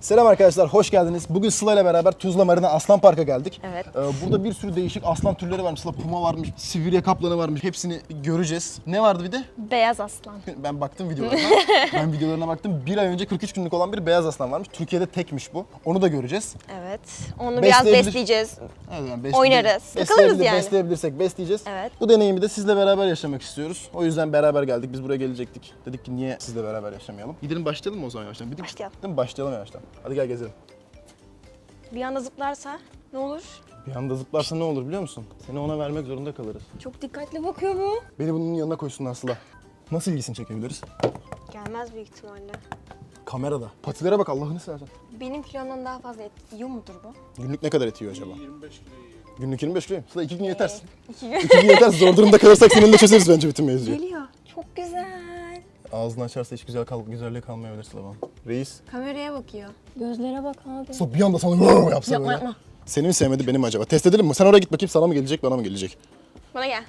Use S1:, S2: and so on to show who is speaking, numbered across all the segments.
S1: Selam arkadaşlar, hoş geldiniz. Bugün Sıla ile beraber Tuzla Marina Aslan Park'a geldik.
S2: Evet.
S1: Burada bir sürü değişik aslan türleri varmış. Sıla puma varmış, Sibirya kaplanı varmış. Hepsini göreceğiz. Ne vardı bir de?
S2: Beyaz aslan.
S1: Ben baktım videolarına. Ben videolarına baktım. Bir ay önce 43 günlük olan bir beyaz aslan varmış. Türkiye'de tekmiş bu. Onu da göreceğiz.
S2: Evet. Onu biraz besleyeceğiz.
S1: Evet, yani
S2: Oynarız. Takılırız yani.
S1: Besleyebilirsek besleyeceğiz.
S2: Evet.
S1: Bu deneyimi de sizle beraber yaşamak istiyoruz. O yüzden beraber geldik. Biz buraya gelecektik. Dedik ki niye sizle beraber yaşamayalım? Gidelim başlayalım mı o zaman yavaştan?
S2: Başlayalım.
S1: Değil mi? Başlayalım yavaştan. Hadi gel gezelim.
S2: Bir anda zıplarsa ne olur?
S1: Bir anda zıplarsa ne olur biliyor musun? Seni ona vermek zorunda kalırız.
S2: Çok dikkatli bakıyor bu.
S1: Beni bunun yanına koysunlar Sıla. Nasıl ilgisini çekebiliriz?
S2: Gelmez büyük ihtimalle.
S1: Kamerada. Patilere bak Allah'ını seversen.
S2: Benim kilomdan daha fazla et yiyor mudur bu?
S1: Günlük ne kadar et yiyor acaba? 25 kilo yiyor. Günlük 25 kilo. Sıla 2 gün yetersin.
S2: 2 gün.
S1: 2 gün yeter. Zor durumda kalırsak seninle çözeriz bence bütün mevzuyu.
S2: Geliyor. Çok güzel.
S1: Ağzını açarsa hiç güzelliği kalmayabilir Sıla bana. Reis.
S2: Kameraya bakıyor. Gözlere bak abi.
S1: Sıla bir anda sana yapsa
S2: Yapma,
S1: böyle.
S2: yapma.
S1: Seni mi sevmedi beni mi acaba? Test edelim mi? Sen oraya git bakayım sana mı gelecek bana mı gelecek?
S2: Bana gel.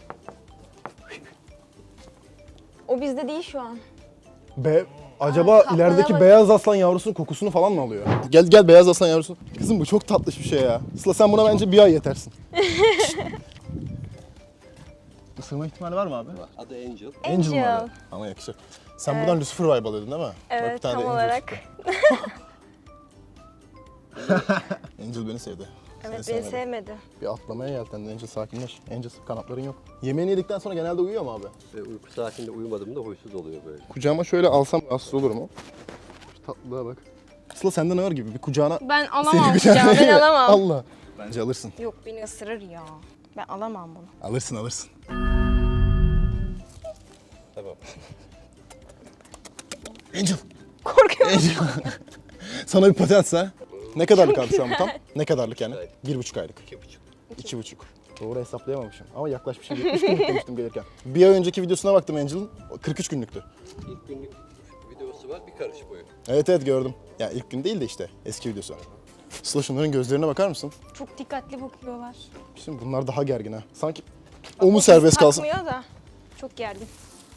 S2: O bizde değil şu an.
S1: Acaba
S2: kaplana
S1: ilerideki
S2: bak.
S1: beyaz aslan yavrusunun kokusunu falan mı alıyor? Gel beyaz aslan yavrusu. Kızım bu çok tatlış bir şey ya. Sıla sen buna bence bir ay yetersin. Isırma ihtimali var mı abi?
S3: Adı Angel.
S1: Angel mı
S2: Angel.
S1: abi? Ama yakışır. Sen buradan Lucifer vibe alıyordun değil mi? Bak bir
S2: Evet
S1: tane de
S2: tam
S1: Angel
S2: olarak.
S1: çıktı. Angel beni sevdi.
S2: Evet
S1: Seni
S2: beni
S1: sevmedi.
S2: sevmedi.
S1: Bir atlamaya yeltendi Angel sakinleş. Angel kanatların yok. Yemeğini yedikten sonra genelde uyuyor mu abi?
S3: Uyku saatinde uyumadığımda huysuz oluyor böyle.
S1: Kucağıma şöyle alsam rahatsız olur mu? Şu tatlılığa bak. Sıla senden ağır gibi bir kucağına...
S2: Ben alamam
S1: Seni
S2: kucağıma, ben
S1: kucağına-
S2: alamam.
S1: Allah. Bence alırsın.
S2: Yok beni ısırır ya. Ben alamam bunu.
S1: Alırsın.
S3: Tamam.
S1: Angel.
S2: Korkuyorum.
S1: Angel. Sana bir pati atsa. Ne kadarlık abi şu an bu tam? Ne kadarlık yani? 1,5 aylık.
S3: 2,5.
S1: 2,5. Doğru hesaplayamamışım ama yaklaşmışım. 70 günlük demiştim gelirken. Bir ay önceki videosuna baktım Angel'ın. 43 günlüktü.
S3: İlk günlük videosu var, bir karış boyu.
S1: Evet gördüm. Ya ilk gün değil de işte eski videosu. Sıla şunların gözlerine bakar mısın?
S2: Çok dikkatli bakıyorlar.
S1: Şimdi bunlar daha gergin ha. Sanki
S2: Bak,
S1: o mu
S2: biz
S1: serbest kalsın?
S2: takmıyor da. Çok gergin.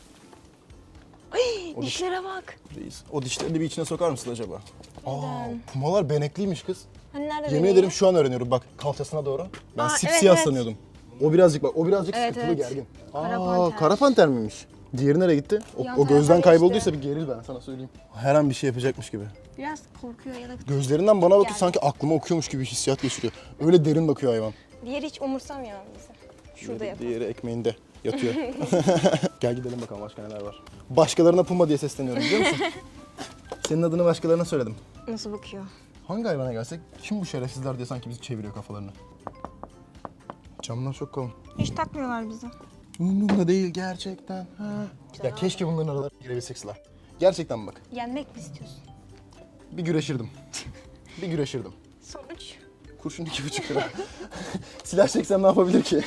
S2: Ay,
S1: O
S2: dişlere bak.
S1: Reis. O dişlerini bir içine sokar mısın acaba?
S2: Neden?
S1: Pumalar benekliymiş kız.
S2: Hani nerede
S1: Yemin
S2: bebeği?
S1: ederim şu an öğreniyorum bak kalçasına doğru. Ben
S2: Aa,
S1: sipsiyah
S2: evet.
S1: sanıyordum. O birazcık
S2: Evet,
S1: sıkıntılı
S2: evet.
S1: gergin.
S2: Kara
S1: Aa,
S2: panter.
S1: kara panter miymiş? Diğeri nereye gitti?
S2: Yan
S1: O gözden
S2: tarafa
S1: kaybolduysa
S2: geçti.
S1: bir geril ben sana söyleyeyim. Her an bir şey yapacakmış gibi.
S2: Biraz korkuyor ya da...
S1: Gözlerinden bana bakıyor
S2: Yani.
S1: sanki aklıma okuyormuş gibi hissiyat geçiriyor. Öyle derin bakıyor hayvan.
S2: Diğeri hiç umursamıyor bizi. Şurada yapalım.
S1: Diğeri ekmeğinde yatıyor. Gel gidelim bakalım başka neler var. Başkalarına puma diye sesleniyorum biliyor musun? Senin adını başkalarına söyledim.
S2: Nasıl bakıyor?
S1: Hangi hayvana gelsek kim bu şerefsizler diye sanki bizi çeviriyor kafalarını. Camlar çok kalın.
S2: Hiç takmıyorlar bizi.
S1: Umurumda değil gerçekten. Ha. Ya keşke bunların aralarına girebilsek Sıla. Gerçekten bak.
S2: Yenmek mi istiyorsun?
S1: Bir güreşirdim. Bir güreşirdim.
S2: Sonuç.
S1: Kurşun 2,5 lira. Silah çeksem ne yapabilir ki?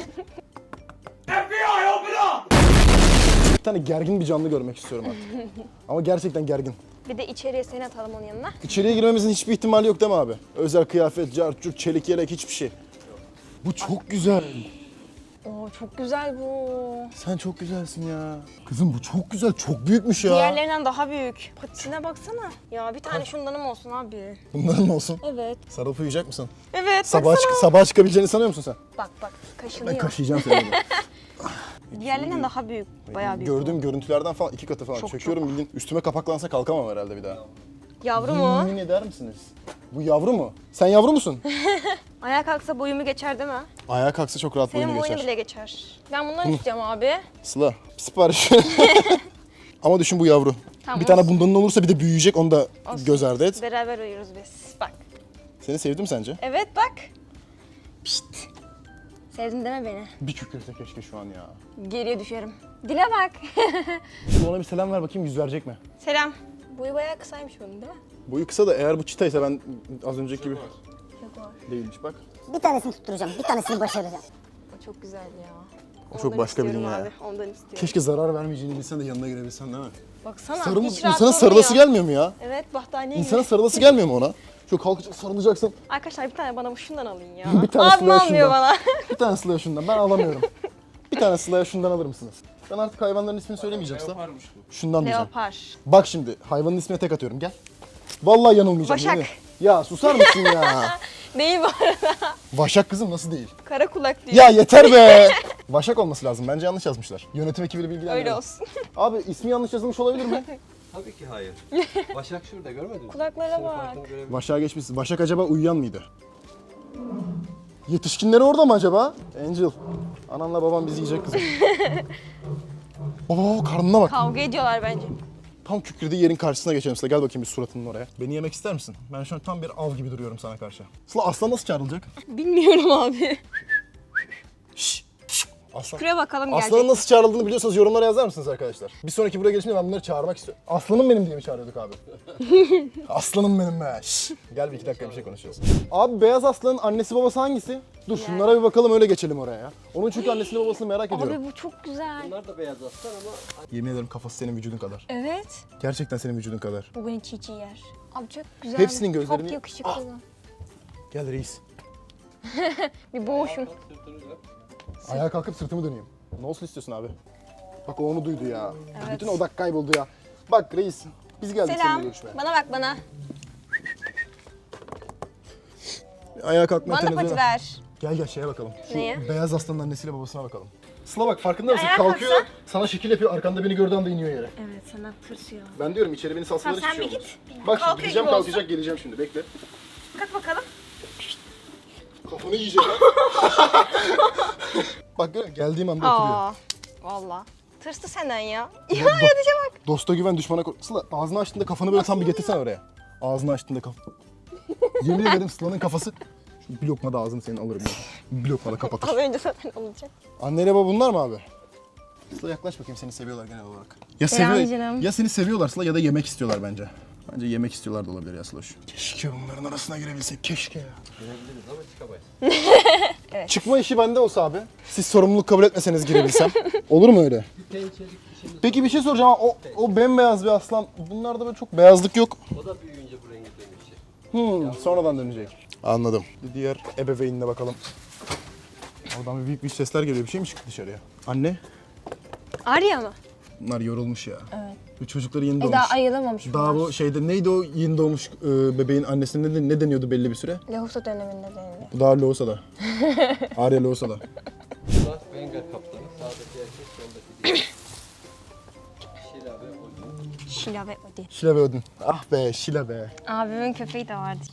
S1: Bir tane gergin bir canlı görmek istiyorum artık. Ama gerçekten gergin.
S2: Bir de içeriye seni atalım onun yanına.
S1: İçeriye girmemizin hiçbir ihtimali yok değil mi abi? Özel kıyafet, cart, curt, çelik yelek hiçbir şey. Bu çok güzel.
S2: Oo çok güzel bu.
S1: Sen çok güzelsin ya. Kızım bu çok güzel, çok büyükmüş ya.
S2: Diğerlerinden daha büyük. Patisine baksana. Ya bir tane şundanım olsun abi.
S1: Bunların mı olsun?
S2: Evet.
S1: Sarılıp uyuyacak mısın?
S2: Evet
S1: Sabah çıkabileceğini sanıyor musun sen?
S2: Bak
S1: Ben
S2: kaşınıyor.
S1: kaşıyacağım seni.
S2: Diğerlerinden daha büyük. Bayağı büyük.
S1: Gördüğüm görüntülerden falan 2 katı falan.
S2: Çok,
S1: Çekiyorum bildiğin. Üstüme kapaklansa kalkamam herhalde bir daha.
S2: Yavru mu?
S1: Yemin eder misiniz? Bu yavru mu? Sen yavru musun?
S2: Ayağa kalksa boyumu geçer değil mi?
S1: Ayağa kalksa çok rahat
S2: Senin
S1: boyunu
S2: boyunu
S1: geçer.
S2: bile geçer. Ben bundan istiyorum abi.
S1: Sıla, sipariş. Ama düşün bu yavru.
S2: Tamam,
S1: bir tane
S2: olsun.
S1: bundanın olursa bir de büyüyecek onu da
S2: Olsun.
S1: göz ardı et.
S2: Beraber uyuyoruz biz. Bak.
S1: Seni sevdim sence?
S2: Evet bak. Pişt. Sevdin deme beni.
S1: Bir kükrese keşke şu an ya.
S2: Geriye düşerim. Dile bak.
S1: Ona bir selam ver bakayım yüz verecek mi?
S2: Selam. Boyu bayağı kısaymış bunun değil mi?
S1: Boyu kısa da eğer bu çitaysa ben az önceki gibi
S2: Çok var.
S1: değilmiş bak.
S4: Bir tanesini tutturacağım, bir tanesini başaracağım.
S2: O çok güzel ya.
S1: O çok
S2: Ondan
S1: başka bir
S2: istiyorum
S1: dünya.
S2: abi. Ondan istiyorum.
S1: Keşke zarar vermeyeceğini bilsen de yanına girebilsen değil mi?
S2: Baksana
S1: Sarıl,
S2: hiç rahat
S1: insana sarılası
S2: durmuyor.
S1: gelmiyor mu ya?
S2: Evet bahtaniye
S1: İnsana
S2: gibi.
S1: sarılası gelmiyor mu ona? Şöyle kalkacak sarılacaksın.
S2: Arkadaşlar bir tane bana şundan alın ya.
S1: Bir tane
S2: Abim
S1: Sıla'ya
S2: almıyor
S1: şundan.
S2: bana.
S1: Bir tane Sıla'ya şundan ben alamıyorum. Bir tane Sıla'ya şundan alır mısınız? Ben artık hayvanların ismini söylemeyeceğim Sıla. Şundan diyeceğim.
S2: Leopar.
S1: Bak şimdi hayvanın ismine tek atıyorum gel. Vallahi yanılmayacağım.
S2: Başak.
S1: Ya susar mısın ya?
S2: Değil bu arada.
S1: Vaşak kızım nasıl değil?
S2: Kara kulak diyor.
S1: Ya yeter be! Vaşak olması lazım. Bence yanlış yazmışlar. Yönetim ekibiyle bilgilendirelim.
S2: Öyle olsun.
S1: Abi ismi yanlış yazılmış olabilir mi?
S3: Tabii ki hayır. Başak şurada görmedin mi?
S2: Kulaklara
S3: Senin
S2: bak.
S3: farkını görebilirsin.
S1: Vaşak'a geçmişsin. Vaşak acaba uyuyan mıydı? Yetişkinleri orada mı acaba? Angel. Ananla babam bizi yiyecek kızım. Baba karnına bak.
S2: Kavga ediyorlar bence.
S1: Tam kükrediği yerin karşısına geçelim Sıla. Gel bakayım bir suratının oraya. Beni yemek ister misin? Ben şu an tam bir av gibi duruyorum sana karşı. Sıla aslan nasıl çağrılacak?
S2: Bilmiyorum abi.
S1: Şşş. Aslan.
S2: Şuraya bakalım
S1: Aslanın
S2: gelecek.
S1: nasıl çağrıldığını biliyorsanız yorumlara yazar mısınız arkadaşlar? Bir sonraki buraya gelişimde ben bunları çağırmak istiyorum. Aslanım benim diye mi çağırıyorduk abi? Aslanım benim be. Şşş. Gel bir iki dakika bir şey konuşacağız. Abi beyaz aslanın annesi babası hangisi? Dur şunlara bir bakalım öyle geçelim oraya ya. Onun çünkü annesini babasını merak ediyorum.
S2: Abi bu çok güzel.
S3: Bunlar da beyaz aslan ama
S1: Yemin ederim kafası senin vücudun kadar.
S2: Evet.
S1: Gerçekten senin vücudun kadar.
S2: Bu beni çiğ çiğ yer. Abi çok güzel.
S1: Hepsinin gözlerini-
S2: Çok yakışıklı.
S1: Gel reis.
S2: Bir boğuşun.
S3: sırtını dön.
S1: Ayağa kalkıp sırtımı döneyim. Ne olsun istiyorsun abi? Bak o onu duydu ya.
S2: Evet.
S1: Bütün odak kayboldu ya. Bak reis biz geldik seninle
S2: Selam.
S1: görüşmeye.
S2: Bana bak bana.
S1: Ayağa kalkma
S2: Bana da pati ver.
S1: Gel şeye bakalım. Şu
S2: Neye?
S1: beyaz aslanın annesiyle babasına bakalım. Sıla bak farkında mısın?
S2: Ayağa
S1: Kalkıyor,
S2: kalksa?
S1: sana şekil yapıyor, arkanda beni gördüğü anda iniyor yere.
S2: Evet sana tırsıyor.
S1: Ben diyorum içeri beni salsalar
S2: Tamam,
S1: hiçbir
S2: sen
S1: şey
S2: bir
S1: olmaz.
S2: git.
S1: Bak şimdi
S2: Kalkıyor
S1: gideceğim
S2: gibi
S1: kalkacak geleceğim şimdi bekle.
S2: Kalk bakalım.
S1: Kafanı yiyecek ha. Bak görüyor musun? Geldiğim anda oturuyor.
S2: Aa. Valla. Tırstı senden ya. Ya yatışa bak.
S1: Dosta güven düşmana kork. Sıla ağzını açtığında kafanı böyle tam bir getirsene oraya. Ağzını açtığında Yemin ederim Sıla'nın kafası. Şu bir lokma da ağzını senin alırım ya. Bir lokma da kapatır.
S2: Az önce zaten olacak.
S1: Anneyle baba bunlar mı abi? Sıla yaklaş bakayım seni seviyorlar genel olarak. Ya
S2: Selam canım.
S1: ya seni seviyorlar Sıla ya da yemek istiyorlar bence. Bence yemek istiyorlar da olabilir ya Sıloş. Keşke bunların arasına girebilsek keşke ya.
S3: Girebiliriz ama çıkamayız.
S1: Çıkma işi bende olsa abi. Siz sorumluluk kabul etmeseniz girebilsem. Olur mu öyle?
S3: Bir pençelik işimiz.
S1: Peki bir şey soracağım ama o bembeyaz bir aslan. Bunlarda böyle çok beyazlık yok.
S3: O da büyüyünce bu rengi dönüşecek.
S1: Sonradan dönecek. Anladım. Bir diğer ebeveynine bakalım. Oradan bir büyük sesler geliyor. Bir şey mi çıktı dışarıya? Anne?
S2: Arya mı?
S1: Bunlar yorulmuş ya. Evet. Bu çocukları yeni doğmuş.
S2: Daha ayılamamış
S1: Daha
S2: bunlar.
S1: bu şeyde neydi o yeni doğmuş bebeğin annesine ne deniyordu belli bir süre?
S2: Lahusa döneminde denildi.
S1: Bu daha Loğusa'da. Arya Loğusa'da.
S3: Bunlar Bengal kaplanı. Sağdaki erkek, soldaki değil. Şila ve Odin.
S2: Şila ve Odin.
S1: Şila ve Odin. Ah be Şila be.
S2: Abimin köpeği de vardı.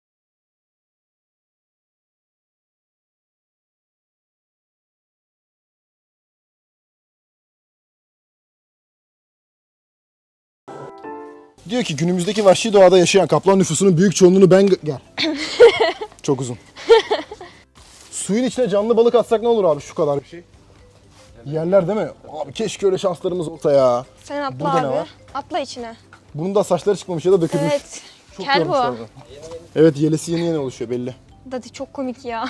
S1: Diyor ki günümüzdeki vahşi doğada yaşayan kaplan nüfusunun büyük çoğunluğunu ben... Gel. Çok uzun. Suyun içine canlı balık atsak ne olur abi şu kadar bir şey? Yerler değil mi? Abi keşke öyle şanslarımız olsa ya.
S2: Sen atla
S1: Burada ne
S2: abi.
S1: var?
S2: Atla içine.
S1: Bunun da saçları çıkmamış ya da dökülmüş.
S2: Evet.
S1: Çok
S2: Kel
S1: yormuşlar
S2: bu.
S1: bunu. Evet yelesi yeni oluşuyor belli.
S2: Dadi çok komik ya.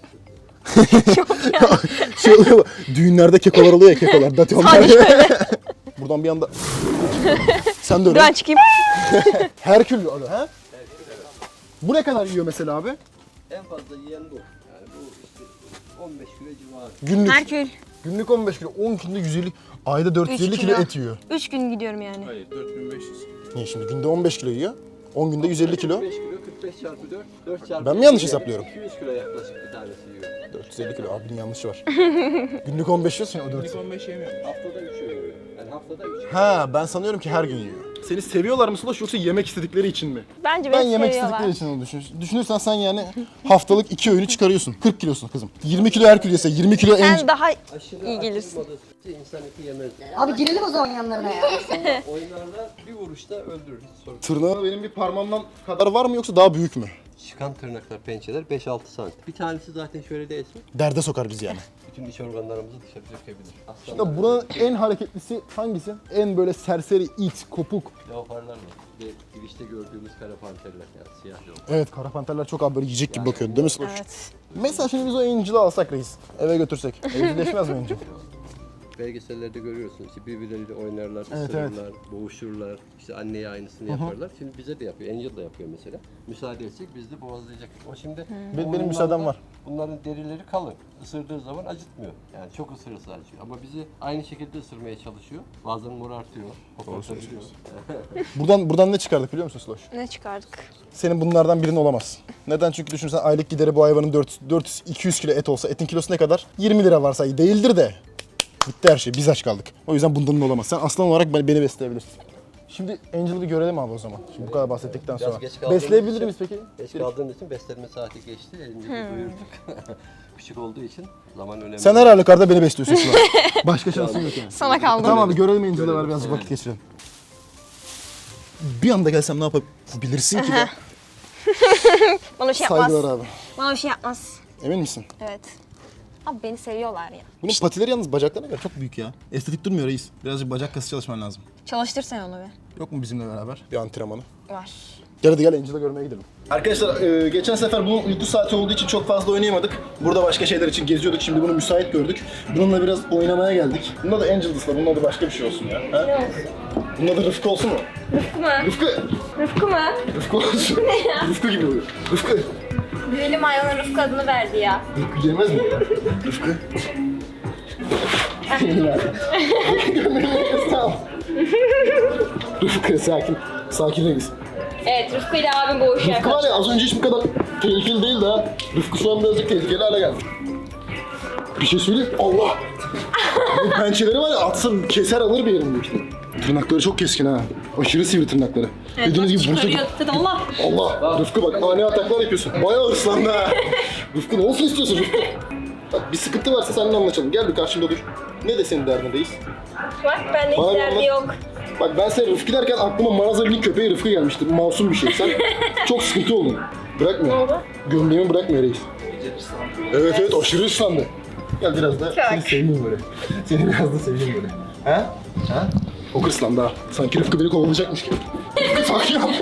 S1: Şey oluyor düğünlerde kekolar oluyor ya kekolar. Dati onlar. Buradan bir anda... Sen de öyle.
S2: Ben çıkayım.
S1: Herkül adı ha? Bu ne kadar yiyor mesela abi?
S3: En fazla yiyen bu. Yani bu işte 15 kilo civarı.
S1: Günlük.
S2: Herkül.
S1: Günlük 15 kilo, 10 günde 150, ayda 450
S2: 3
S1: kilo
S2: kilo.
S1: et yiyor.
S2: 3 gün gidiyorum yani.
S3: Hayır 4500.
S1: Niye şimdi günde 15 kilo yiyor? 10 günde 150 kilo.
S3: 45 kilo 45 çarpı 4. 4 çarpı
S1: Ben mi yanlış
S3: 200,
S1: hesaplıyorum?
S3: 200 kilo yaklaşık bir tanesi yiyor.
S1: 450 kilo abinin yanlışı var. Günlük 15 yiyorsun ya o 4.
S3: Haftada 3 öğün yiyor. Yani haftada 3.
S1: Ha ben sanıyorum ki her gün yiyor. Seni seviyorlar mı Sulaş yoksa yemek istedikleri için mi?
S2: Bence
S1: Ben
S2: beni
S1: yemek
S2: seviyorlar.
S1: istedikleri için onu düşünürsen sen yani haftalık 2 öğünü çıkarıyorsun. 40 kilosun kızım. 20 kilo Herkül yese 20 kilo
S2: Sen daha
S3: Aşırı
S2: iyi gelirsin.
S3: açılmadığı sürece insan eti yemez.
S4: Abi girelim o zaman yanlarına ya.
S3: Oyunlarda bir vuruşta öldürür. Hiç sorun.
S1: Tırnağı benim bir parmağımdan kadar var mı yoksa daha büyük mü?
S3: Çıkan tırnaklar, pençeler 5-6 santim. Bir tanesi zaten şöyle değilsin.
S1: Derde sokar bizi yani.
S3: Bütün iç organlarımızı dışarı dökebilir.
S1: Şimdi
S3: Aslanlar
S1: buranın en hareketlisi hangisi? En böyle serseri, it, kopuk.
S3: leoparlar var. Ve girişte gördüğümüz kara panterler yani siyah leopar.
S1: Evet kara panterler çok abi böyle yiyecek gibi bakıyordu değil mi Sulaş?
S2: Evet.
S1: Mesela şimdi biz o Angel'ı alsak reis, eve götürsek. Evcilleşmez mi Angel?
S3: belgesellerde görüyorsunuz. İşte birbirleriyle oynarlar,
S1: Evet,
S3: ısırırlar, boğuşurlar. İşte anneye aynısını yaparlar. Şimdi bize de yapıyor. Angel da yapıyor mesela. Müsaade edecek, biz de boğazlayacak. O şimdi
S1: Benim müsaadem var.
S3: Bunların derileri kalın. Isırdığı zaman acıtmıyor. Yani çok ısırırsa acıyor. Ama bizi aynı şekilde ısırmaya çalışıyor. Bazen morartıyor. Hopartabiliyor.
S1: Buradan ne çıkardık biliyor musun Sloş?
S2: Ne çıkardık?
S1: Senin bunlardan birinin olamaz. Neden? Çünkü düşünsen aylık gideri bu hayvanın 400-200 kilo et olsa etin kilosu ne kadar? 20 lira varsa değildir de. Bitti her şey. Biz aç kaldık. O yüzden bundan olamaz. Sen aslan olarak beni besleyebilirsin. Şimdi Angel'ı bir görelim abi o zaman. Şimdi bu kadar bahsettikten sonra.
S3: geç kaldığımız
S1: Besleyebilir
S3: için-
S1: miyiz peki?
S3: Geç kaldığımız için beslenme saati geçti. Elimizi doyurduk. Küçük olduğu için zaman önemli.
S1: Sen her halükarda beni besliyorsun şu an. Başka şansın yok yani.
S2: Sana kaldı.
S1: Tamam abi görelim Angel'ı var birazcık vakit geçirelim. Bir anda gelsem ne yapabilirsin ki de?
S2: Bana bir şey yapmaz.
S1: Saygılar abi.
S2: Bana bir şey yapmaz.
S1: Emin misin?
S2: Evet. Abi beni seviyorlar ya.
S1: Bunun patileri yalnız bacaklarına göre çok büyük ya. Estetik durmuyor reis. Birazcık bacak kası çalışman lazım.
S2: Çalıştır sen onu be.
S1: Yok mu bizimle beraber bir antrenmanı?
S2: Var.
S1: Gel hadi gel Angel'ı görmeye gidelim. Arkadaşlar geçen sefer bu uyku saati olduğu için çok fazla oynayamadık. Burada başka şeyler için geziyorduk. Şimdi bunu müsait gördük. Bununla biraz oynamaya geldik. Bunda da Angel'dısla. Bunun adı başka bir şey olsun ya. Ha?
S2: Ne olsun?
S1: Bunun adı Rıfkı olsun mu?
S2: Rıfkı mı?
S1: Rıfkı!
S2: Rıfkı mı?
S1: Rıfkı olsun. Rıfkı gibi oluyor. Rıfkı!
S2: Güzelim hayvana Rıfkı adını verdi ya.
S1: Rıfkı yemez mi? Rıfkı. Tamam. Rıfkı sakin. Sakin reis.
S2: Evet Rıfkı ile abim boğuşuyor.
S1: Rıfkı var ya az önce hiç bu kadar tehlikeli değildi ha. Rıfkı şu an birazcık tehlikeli hale geldi. Bir şey söyleyeyim. Allah! Bu pençeleri var ya atsın keser alır bir yerimdekini. Tırnakları çok keskin ha. Aşırı sivri tırnakları. Dediğiniz gibi vursa...
S2: Allah.
S1: Allah! Rıfkı bak ani ataklar yapıyorsun. Bayağı hırslandı ha. Rıfkı ne olsun istiyorsun Rıfkı? Bak bir sıkıntı varsa seninle anlaşalım. Gel bir karşımda dur. Ne de senin derdindeyiz?
S2: Bak bende
S1: Bana
S2: hiç derdi
S1: bak.
S2: yok.
S1: Bak ben sen Rıfkı derken aklıma Marazali'nin köpeği Rıfkı gelmişti. Masum bir şey. Sen çok sıkıntı oldun. Bırakmıyor.
S2: Ne oldu?
S1: Gömleğimi bırakmıyor reis. Evet evet aşırı ıslandı. Gel biraz da seni seveyim böyle. Seni biraz da seveyim böyle. Ha? Ha? Çok ıslandı ha. Sanki Rıfkı beni kovalayacakmış gibi. Rıfkı sakin ol.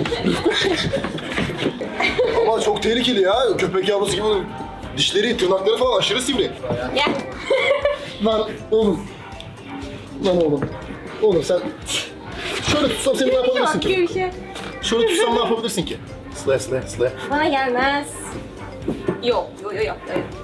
S1: Ama çok tehlikeli ya. Köpek yavrusu gibi dişleri, tırnakları falan aşırı sivri.
S2: Gel.
S1: Lan oğlum. Lan oğlum. Oğlum sen... Şöyle tutsam seni ne yapabilirsin ki?
S2: Bir şey.
S1: Şöyle tutsam ne yapabilirsin ki? Sıla.
S2: Bana gelmez. Yok. Evet.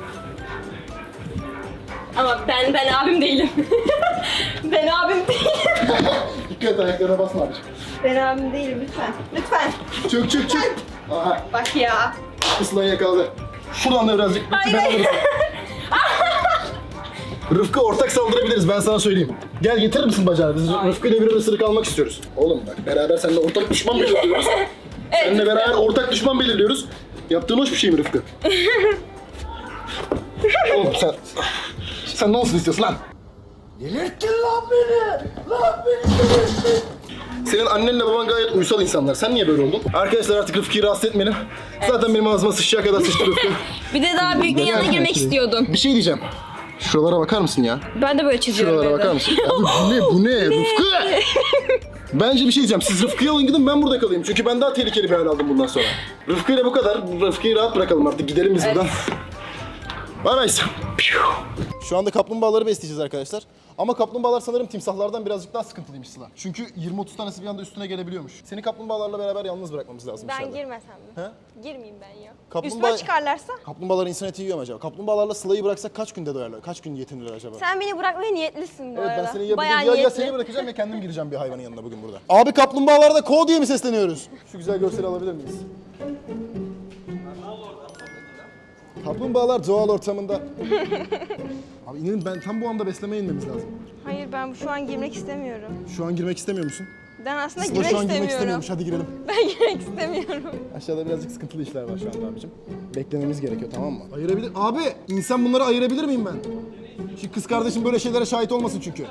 S2: Ama ben abim değilim. ben abim değilim.
S1: Dikkat et ayaklarına basma abiciğim.
S2: Ben abim değilim lütfen. Lütfen.
S1: Çök. Aha.
S2: Bak ya.
S1: Sıla'yı yakaladı. Şuradan da birazcık.
S2: Hayır.
S1: Ben alırım. Rıfkı ortak saldırabiliriz ben sana söyleyeyim. Gel getirir misin bacağını? Biz Rıfkı ile bir ısırık almak istiyoruz. Oğlum bak beraber seninle ortak düşman belirliyoruz. Seninle beraber ortak düşman belirliyoruz. Yaptığın hoş bir şey mi Rıfkı? Oğlum sen ne olsun istiyorsun lan? Delirttin lan beni delirttin. Senin annenle baban gayet uysal insanlar. Sen niye böyle oldun? Arkadaşlar artık Rıfkı'yı rahatsız etmeyelim. Zaten benim ağzıma sıçacak kadar sıçtı Rıfkı.
S2: Bir de daha büyüklerin yanına girmek istiyordum.
S1: Bir şey diyeceğim. Şuralara bakar mısın ya?
S2: Ben de böyle çiziyorum
S1: Şuralara
S2: evde.
S1: bakar mısın? Abi bu ne? Rıfkı! Bence bir şey diyeceğim. Siz Rıfkı'ya alın gidin ben burada kalayım. Çünkü ben daha tehlikeli bir hal aldım bundan sonra. Rıfkı ile bu kadar. Rıfkı'yı rahat bırakalım artık. Gidelim biz buradan. Bye bye. Şu anda kaplumbağaları besleyeceğiz arkadaşlar. Ama kaplumbağalar sanırım timsahlardan birazcık daha sıkıntılıymış Sıla. Çünkü 20-30 tanesi bir anda üstüne gelebiliyormuş. Seni kaplumbağalarla beraber yalnız bırakmamız lazım
S2: Ben
S1: dışarıda.
S2: girmesem mi?
S1: He?
S2: Girmeyeyim ben ya.
S1: Kaplumbağa-
S2: Üstüme çıkarlarsa?
S1: Kaplumbağalar insan eti yiyor mu acaba? Kaplumbağalarla Sıla'yı bıraksak kaç günde doyarlar? Kaç gün yetinirler acaba?
S2: Sen beni bırakmaya niyetlisin bu
S1: Evet
S2: arada.
S1: ben seni ya,
S2: Bayağı
S1: ya
S2: niyetli.
S1: seni bırakacağım ya kendim gireceğim bir hayvanın yanına bugün burada. Abi kaplumbağalara da ko diye mi sesleniyoruz? Şu güzel görseli alabilir miyiz? Kaplumbağalar doğal ortamında. Abi inanın ben tam bu anda beslemeye inmemiz lazım.
S2: Hayır ben şu an girmek istemiyorum.
S1: Şu an girmek istemiyor musun?
S2: Ben aslında
S1: Sıla
S2: girmek
S1: şu an girmek
S2: istemiyorum.
S1: istemiyormuş hadi girelim.
S2: Ben girmek istemiyorum.
S1: Aşağıda birazcık sıkıntılı işler var şu anda abicim. Beklememiz gerekiyor tamam mı? Ayırabilir... Abi insan bunları ayırabilir miyim ben? Şu kız kardeşim böyle şeylere şahit olmasın çünkü.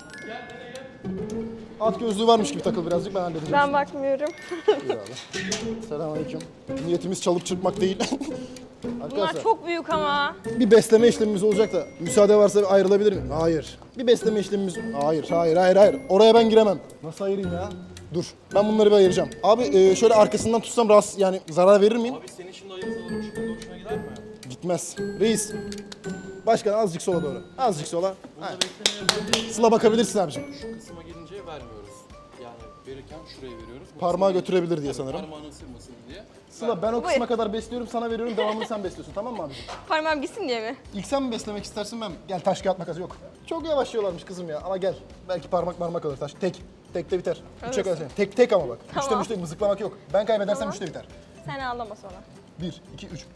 S1: At gözlüğü varmış gibi takıl birazcık ben halledeceğim.
S2: Ben bakmıyorum.
S1: Selamünaleyküm. Niyetimiz çalıp çırpmak değil.
S2: Bunlar
S1: Arkadaşlar
S2: çok büyük ama.
S1: bir besleme işlemimiz olacak da müsaade varsa ayrılabilir miyim? Hayır. Bir besleme işlemimiz... Hayır. Oraya ben giremem. Nasıl ayırayım ya? Dur. Ben bunları bir ayıracağım. Abi şöyle arkasından tutsam rahatsız yani zarar verir miyim?
S5: Abi senin şimdi ayırsan hoşuna gider mi?
S1: Gitmez. Reis. Başkan azıcık sola doğru. Azıcık sola. Aynen. Sıla bakabilirsin abiciğim.
S5: Şu kısma gelince vermiyoruz. Yani verirken şuraya veriyoruz. Bu
S1: Parmağı
S5: kısma
S1: götürebilir diye
S5: gelince-
S1: sanırım.
S5: Parmağını ısırmasın diye.
S1: Sıla ben o kısma kadar besliyorum, sana veriyorum, devamını sen besliyorsun, tamam mı abiciğim?
S2: Parmağım gitsin diye mi?
S1: İlk sen mi beslemek istersin ben mi? Gel taş kağıt makas yok. Çok yavaş yiyorlarmış kızım ya ama gel. Belki parmak alır taş. Tek. Tekte biter. Üçe kadar sen. Tek ama bak.
S2: Tamam.
S1: Üçte mızıklamak yok. Ben kaybedersem
S2: Tamam.
S1: üçte biter.
S2: Sen ağlama sonra.
S1: 1, 2, 3.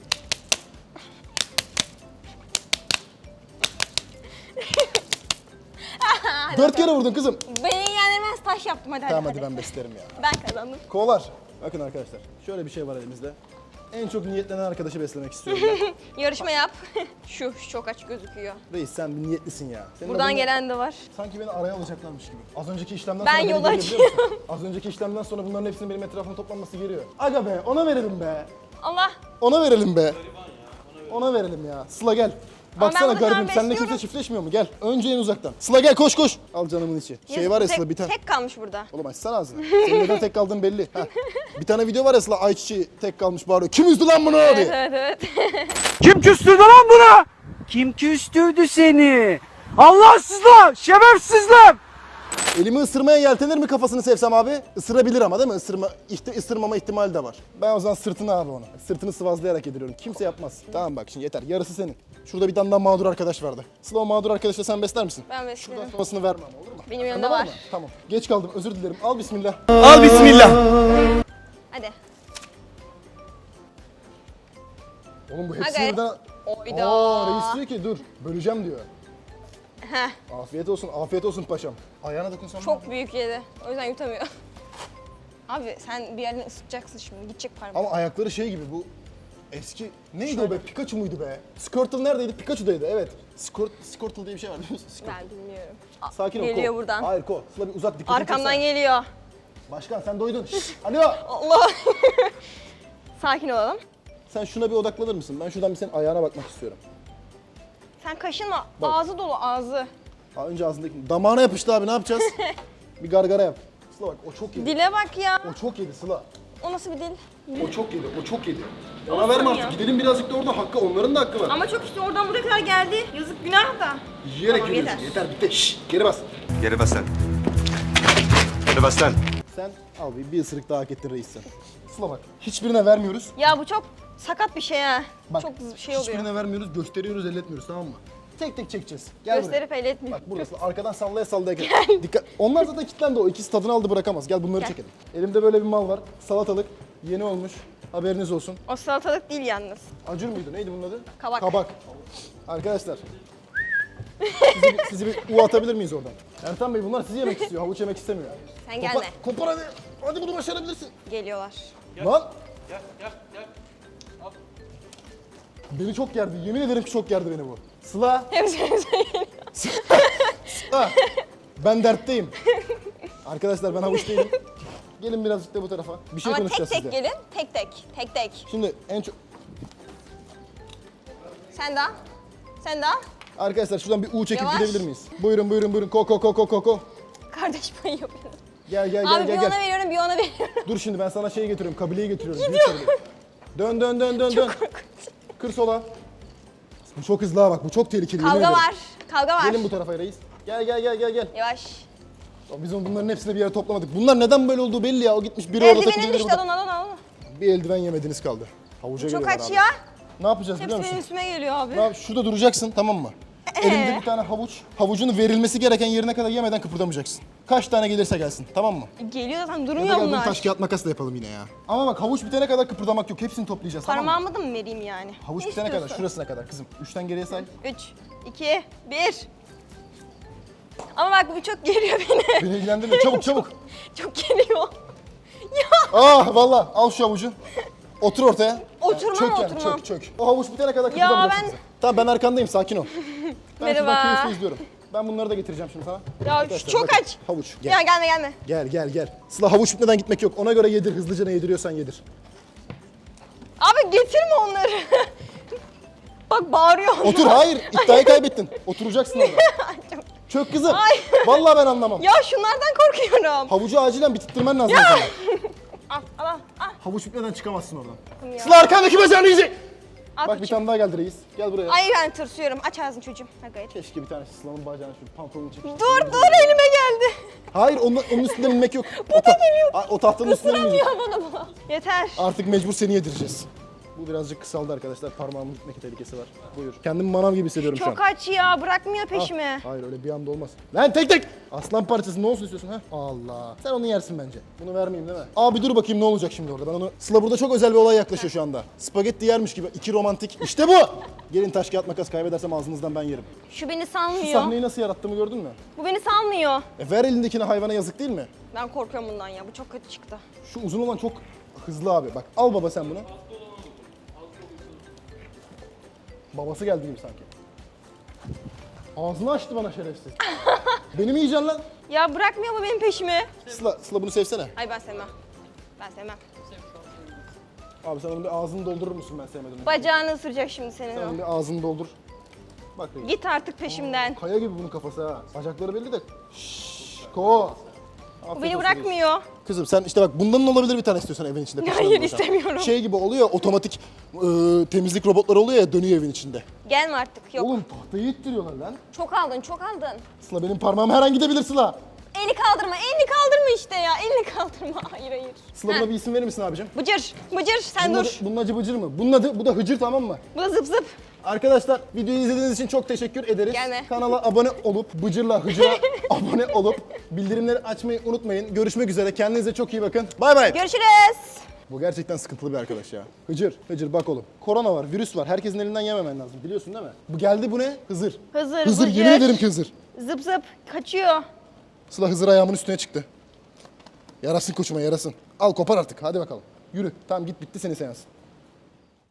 S1: Dört kere vurdun kızım.
S2: Beni ilgilendirmez, taş yaptım hadi.
S1: Tamam
S2: hadi.
S1: hadi ben beslerim ya.
S2: Ben kazandım.
S1: Kovalar. Bakın arkadaşlar. Şöyle bir şey var elimizde. En çok niyetlenen arkadaşı beslemek istiyorum ben.
S2: Yarışma yap. Şu çok aç gözüküyor.
S1: Reis sen bir niyetlisin ya. Senin
S2: Buradan
S1: adını-
S2: gelen de var.
S1: Sanki beni araya alacaklarmış gibi. Az önceki işlemden
S2: Ben
S1: sonra beni
S2: yolu
S1: görüyor, biliyor musun?
S2: açıyorum.
S1: Az önceki işlemden sonra bunların hepsinin benim etrafıma toplanması geliyor. Aga be ona verelim be.
S2: Allah.
S1: Ona verelim be. Ona verelim ya. Sıla gel. Baksana
S2: bunu şu an
S1: garibim seninle kimse
S2: besliyorum.
S1: çiftleşmiyor mu? Gel. Önce en uzaktan. Sıla gel koş koş. Al canımın içi. Şey var ya Sıla bir tane.
S2: Tek kalmış burada.
S1: Oğlum açsana ağzını. Senin neden tek kaldığın belli. Heh. Bir tane video var ya Sıla ayçiçeği tek kalmış bağırıyor. Kim üzdü lan bunu diye.
S2: Evet evet.
S6: Kim küstürdü lan buna? Kim küstürdü seni? Allahsızlar, şerefsizler.
S1: Elimi ısırmaya yeltenir mi kafasını sevsem abi? Isırabilir ama değil mi? Isırmama ihtimali de var. Ben o zaman sırtını abi ona. Sırtını sıvazlayarak yediriyorum. Kimse yapmaz. Tamam bak şimdi yeter. Yarısı senin. Şurada bir tane daha mağdur arkadaş vardı. Sıla o mağdur arkadaşla sen besler misin?
S2: Ben
S1: Şuradan
S2: beslerim.
S1: sonrasını vermem olur mu?
S2: Benim yanımda
S1: Anladın
S2: var.
S1: mı? Tamam. Geç kaldım özür dilerim. Al bismillah.
S6: Al bismillah.
S2: Hadi.
S1: Oğlum bu hepsi
S2: Hadi.
S1: birden...
S2: Oyda.
S1: Reis diyor ki dur böleceğim diyor.
S2: Heh,
S1: Afiyet olsun paşam. Ayağına dokunsam
S2: çok büyük yedi. O yüzden yutamıyor. Abi sen bir yerden ısıtacaksın şimdi. Gidecek parmağın.
S1: Ama ayakları şey gibi bu eski neydi o be? Pikachu muydu be? Squirtle neredeydi? Pikachu'daydı evet. Squirtle diye bir şey var biliyor musun? Squirtle.
S2: Ben bilmiyorum.
S1: Sakin ol.
S2: Geliyor
S1: Ko.
S2: buradan.
S1: Hayır Ko. Sıla bir uzak dikkatini
S2: Arkamdan
S1: çeksene.
S2: geliyor.
S1: Başkan sen doydun. Şşş, alo.
S2: Allah. Sakin olalım.
S1: Sen şuna bir odaklanır mısın? Ben şuradan bir senin ayağına bakmak istiyorum.
S2: Sen kaşınma.
S1: Bak.
S2: Ağzı dolu ağzı.
S1: Ha, önce ağzındaki damağına yapıştı abi ne yapacağız? bir gargara yap. Sıla bak o çok yedi.
S2: Dile bak ya.
S1: O çok yedi Sıla.
S2: O nasıl bir dil?
S1: O çok yedi. O çok yedi. Ona verme artık.
S2: ya.
S1: Gidelim birazcık da orada hakkı. Onların da hakkı var.
S2: Ama çok işte oradan buraya kadar geldi. Yazık günah da.
S1: Yiyerek
S2: Tamam,
S1: yürüyorsun. Yeter bitti. Şşş, geri bas.
S7: Geri bas lan. Geri bas lan.
S1: Sen al bir ısırık daha hak ettin reis sen. Sıla bak. Hiçbirine vermiyoruz.
S2: Ya bu çok sakat bir şey ha.
S1: Bak,
S2: çok şey oluyor.
S1: hiçbirine vermiyoruz. Gösteriyoruz, elletmiyoruz tamam mı? Tek tek çekeceğiz. Gel
S2: Gösterip el
S1: buraya.
S2: etmiyor.
S1: Bak burası. Arkadan sallaya sallaya gel. Dikkat. Onlar zaten kilitlendi o. İkisi tadını aldı bırakamaz. Gel bunları
S2: Gel.
S1: çekelim. Elimde böyle bir mal var. Salatalık. Yeni olmuş. Haberiniz olsun.
S2: O salatalık değil yalnız.
S1: Acur muydu? Neydi bunun adı?
S2: Kabak.
S1: Kabak. Arkadaşlar. sizi bir U atabilir miyiz oradan? Ertan Bey bunlar sizi yemek istiyor. Havuç yemek istemiyor.
S2: Sen gelme.
S1: Kopar hadi. Hadi bunu başarabilirsin.
S2: Geliyorlar.
S1: Lan. Beni çok gerdi. Yemin ederim ki çok gerdi beni bu. Sıla.
S2: Hepsi
S1: Sıla. Ben dertteyim. Arkadaşlar ben havuç değilim. Gelin birazcık da bu tarafa. Bir şey
S2: Ama tek
S1: konuşacağız
S2: tek
S1: sizle.
S2: gelin. Tek tek. Tek tek.
S1: Şimdi en çok...
S2: Sen daha. Sen daha.
S1: Arkadaşlar şuradan bir U çekip
S2: Yavaş.
S1: gidebilir miyiz? Buyurun buyurun buyurun. Ko.
S2: Kardeş payı yapıyorsun.
S1: Gel
S2: Abi bir
S1: gel.
S2: ona veriyorum bir ona veriyorum.
S1: Dur şimdi ben sana şeyi getiriyorum. Kabileyi getiriyorum. Büyük kabile. Dön. Kır sola. Bu çok hızlı ha bak. Bu çok tehlikeli. yemin
S2: Kavga
S1: ederim.
S2: var. Kavga var.
S1: Gelin bu tarafa reis. Gel.
S2: Yavaş.
S1: Biz bunların hepsini bir yere toplamadık. Bunlar neden böyle olduğu belli ya. O gitmiş biri orada takılıyor.
S2: Eldivenin
S1: biri
S2: düştü
S1: burada.
S2: alın.
S1: Bir eldiven yemediniz kaldı. Havuca
S2: Çok
S1: geliyorlar
S2: aç
S1: abi.
S2: ya.
S1: Ne yapacağız biliyor
S2: Hepsi benim
S1: musun?
S2: üstüme geliyor abi.
S1: Ne yap- Şurada duracaksın tamam mı? Elimde bir tane havuç. Havucun verilmesi gereken yerine kadar yemeden kıpırdamayacaksın. Kaç tane gelirse gelsin tamam mı?
S2: Geliyor zaten
S1: Ya da
S2: durmuyor
S1: gel bunu
S2: bunlar.
S1: taş kağıt makas da yapalım yine ya. Ama bak havuç bitene kadar kıpırdamak yok. Hepsini toplayacağız tamam mı?
S2: Parmağımı da mı vereyim yani?
S1: Havuç
S2: Ne
S1: bitene kadar
S2: istiyorsun?
S1: şurasına kadar kızım. 3'ten geriye say.
S2: 3, 2, 1. Ama bak bu çok geliyor beni.
S1: Beni ilgilendirmiyor. Çabuk.
S2: Çok geliyor.
S1: Ah valla al şu havucu. Otur ortaya.
S2: Oturmam,
S1: Çök yani
S2: oturmam.
S1: çök. O havuç bitene kadar kıpırdamayacaksın
S2: ben-
S1: bize. Tamam ben arkandayım sakin ol. Ben
S2: Merhaba.
S1: şuradan keyifli izliyorum. Ben bunları da getireceğim şimdi sana.
S2: Ya
S1: Arkadaşlar,
S2: çok
S1: bakın,
S2: aç.
S1: Havuç gel.
S2: Ya gelme.
S1: Gel. Sıla havuç bitmeden gitmek yok. Ona göre yedir. Hızlıca ne yediriyorsan yedir.
S2: Abi getirme onları. Bak bağırıyor.
S1: Otur hayır. İddiayı kaybettin. Oturacaksın orada. Çök kızım.
S2: Ay.
S1: Vallahi ben anlamam.
S2: Ya şunlardan korkuyorum.
S1: Havucu acilen bitirttirmen lazım. sana.
S2: Al.
S1: Havuç bitmeden çıkamazsın oradan.
S2: Ya.
S1: Sıla arkandaki bacağını yiyecek.
S2: Al
S1: Bak bir
S2: koçum.
S1: tane daha geldi reis. Gel buraya.
S2: Ay ben tırsıyorum. Aç ağzını çocuğum. Hadi gayret.
S1: Keşke bir tane Sıla'nın bacağına şu pantolonu çekip.
S2: Dur elime geldi.
S1: Hayır onun üstünden inmek yok. O tahtanın üstünden inmeyecek.
S2: Ya bana bu. Yeter.
S1: Artık mecbur seni yedireceğiz. Bu birazcık kısaldı arkadaşlar. Parmağımın gitmek tehlikesi var. Buyur. Kendimi manav gibi hissediyorum şu an.
S2: Çok aç ya. Bırakmıyor peşimi.
S1: Hayır öyle bir anda olmaz. Lan tek. Aslan parçası ne olsun istiyorsun ha? Allah. Sen onu yersin bence. Bunu vermeyeyim değil mi? Abi dur bakayım ne olacak şimdi orada. Ben onu... Sıla burada çok özel bir olay yaklaşıyor şu anda. Spagetti yermiş gibi. 2 romantik. İşte bu. Gelin taş kağıt makas, kaybedersem ağzınızdan ben yerim.
S2: Şu beni
S1: Şu
S2: salmıyor.
S1: sahneyi nasıl yarattığımı gördün mü?
S2: Bu beni salmıyor.
S1: Ver elindekini, hayvana yazık değil mi?
S2: Ben korkuyorum bundan ya. Bu çok kötü çıktı.
S1: Şu uzun olan çok hızlı abi. Bak al baba sen bunu. Babası geldi gibi sanki. Ağzını açtı bana şerefsiz. Beni mi yiyeceksin lan?
S2: Ya bırakmıyor mu benim peşimi?
S1: Sıla bunu sevsene.
S2: Ay ben sevmem. Ben sevmem.
S1: Abi sen onun bir ağzını doldurur musun ben sevmedim.
S2: Bacağını ısıracak şimdi senin
S1: Sen
S2: o.
S1: onun bir ağzını doldur. Bak reis.
S2: Git artık peşimden.
S1: Kaya gibi bunun kafası ha. Bacakları belli de. Şşş, ko.
S2: Bu beni bırakmıyor.
S1: Kızım sen işte bak bundan olabilir bir tane istiyorsan evin içinde.
S2: Hayır,
S1: kuşlarla
S2: istemiyorum.
S1: Şey gibi oluyor otomatik temizlik robotları oluyor ya dönüyor evin içinde.
S2: Gelme artık. Yok.
S1: Oğlum tahtayı ittiriyorlar lan.
S2: Çok aldın, çok aldın.
S1: Sıla benim parmağım her an gidebilir Sıla.
S2: Elini kaldırma, elini kaldırma işte ya. Elini kaldırma. Hayır, hayır.
S1: Sıla
S2: Ha.
S1: buna bir isim verir misin abicim?
S2: Bıcır, bıcır sen
S1: Bunun
S2: dur.
S1: adı, bunun adı Bıcır mı? Bunun adı, bu da Hıcır tamam mı?
S2: Bu da zıp zıp.
S1: Arkadaşlar videoyu izlediğiniz için çok teşekkür ederiz.
S2: Gelme.
S1: Kanala abone olup Bıcır'la Hıcır'a abone olup bildirimleri açmayı unutmayın. Görüşmek üzere. Kendinize çok iyi bakın. Bay bay.
S2: Görüşürüz.
S1: Bu gerçekten sıkıntılı bir arkadaş ya. Hıcır bak oğlum. Korona var, virüs var. Herkesin elinden yememen lazım. Biliyorsun değil mi? Bu geldi bu ne? Hızır.
S2: Hızır,
S1: Hızır
S2: Bıcır.
S1: yemin ederim ki Hızır.
S2: Zıp zıp kaçıyor.
S1: Sıla Hızır ayağımın üstüne çıktı. Yarasın koçuma yarasın. Al kopar artık hadi bakalım. Yürü. Tamam git bitti senin seans.